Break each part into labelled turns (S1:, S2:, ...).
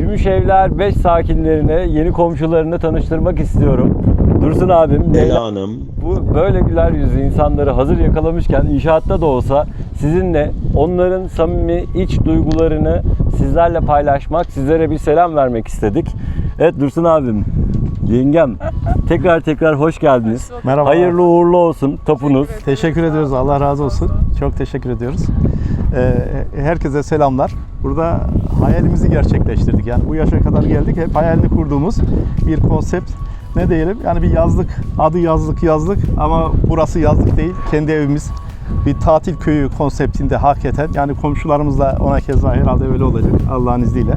S1: Gümüşevler 5 sakinlerine, yeni komşularını tanıştırmak istiyorum. Dursun abim,
S2: Leyla Hanım.
S1: bu böyle güler yüzlü insanları hazır yakalamışken inşaatta da olsa sizinle onların samimi iç duygularını sizlerle paylaşmak, sizlere bir selam vermek istedik. Evet Dursun abim, yengem tekrar hoş geldiniz.
S3: Merhaba.
S1: Hayırlı uğurlu olsun tapunuz.
S3: Teşekkür ediyoruz. Allah razı olsun. Çok teşekkür ediyoruz. Herkese selamlar. Burada hayalimizi gerçekleştirdik. Yani bu yaşa kadar geldik. Hep hayalini kurduğumuz bir konsept. Ne diyelim? Yani bir yazlık. Adı yazlık ama burası yazlık değil. Kendi evimiz. Bir tatil köyü konseptinde hakikaten. Yani komşularımızla ona keza herhalde öyle olacak Allah'ın izniyle.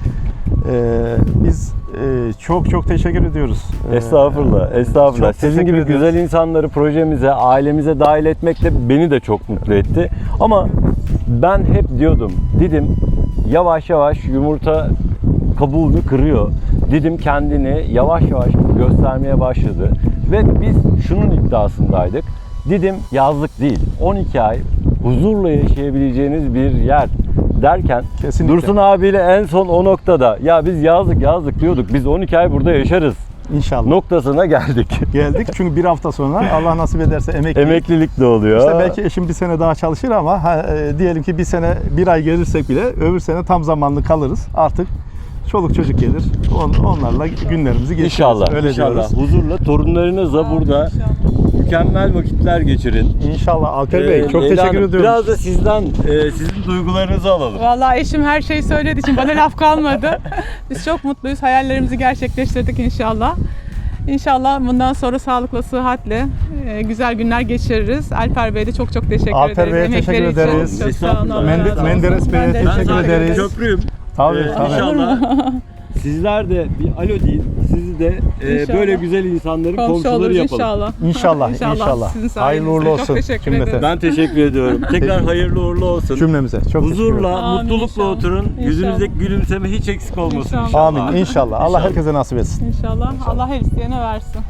S3: Biz çok teşekkür ediyoruz.
S1: Estağfurullah.
S3: Çok
S1: Sizin
S3: teşekkür
S1: gibi
S3: ediyoruz.
S1: güzel insanları projemize, ailemize dahil etmek de beni de çok mutlu etti. Ama ben hep diyordum, Didim yavaş yavaş yumurta kabuğunu kırıyor. Didim kendini yavaş göstermeye başladı. Ve biz şunun iddiasındaydık. Didim yazlık değil, 12 ay huzurla yaşayabileceğiniz bir yer derken
S3: Kesinlikle.
S1: Dursun abiyle en son o noktada ya biz yazlık diyorduk, biz 12 ay burada yaşarız
S3: İnşallah.
S1: noktasına geldik.
S3: Geldik çünkü bir hafta sonra Allah nasip ederse
S1: Emeklilik de oluyor.
S3: İşte belki eşim bir sene daha çalışır ama diyelim ki bir ay gelirsek bile öbür sene tam zamanlı kalırız. Artık çoluk çocuk gelir. Onlarla günlerimizi geçiririz.
S1: İnşallah.
S3: Öyle
S1: İnşallah.
S3: diyoruz.
S1: Huzurla torunlarınızla burada mükemmel vakitler geçirin.
S3: İnşallah Alper Bey çok
S1: Leyla
S3: teşekkür
S1: Hanım,
S3: ediyorum.
S1: biraz da sizden sizin duygularınızı alalım.
S4: Vallahi eşim her şeyi söylediği için bana laf kalmadı. Biz çok mutluyuz. Hayallerimizi gerçekleştirdik inşallah. İnşallah bundan sonra sağlıkla, sıhhatle güzel günler geçiririz. Alper Bey'e de çok teşekkür
S3: Alper
S4: ederiz.
S3: Bey'e
S4: Emekleri
S3: teşekkür
S4: için.
S3: ederiz.
S4: Çok sağ olun. Allah
S3: Menderes
S4: razı olsun.
S3: Bey'e
S4: Ben de
S3: teşekkür
S1: Ben
S3: ederiz.
S1: köprüyüm.
S3: Tabii.
S1: İnşallah sizler de bir alo deyin. Sizi de
S4: İnşallah.
S1: böyle güzel insanların
S4: Komşu
S1: komşuları
S4: oluruz
S1: yapalım.
S4: inşallah.
S3: İnşallah.
S4: Sizin sayenizde.
S3: Hayırlı uğurlu
S4: Çok
S3: olsun
S4: teşekkür
S3: cümlete.
S4: ederim.
S1: Ben teşekkür ediyorum. Tekrar hayırlı uğurlu olsun.
S3: Cümlemize. Çok teşekkür ederim.
S1: Huzurla,
S4: Amin,
S1: mutlulukla
S4: inşallah.
S1: oturun.
S4: İnşallah.
S1: Yüzünüzdeki gülümseme hiç eksik olmasın
S4: İnşallah.
S1: inşallah.
S3: Amin. İnşallah. Allah herkese nasip etsin.
S4: İnşallah. Allah her isteyene versin.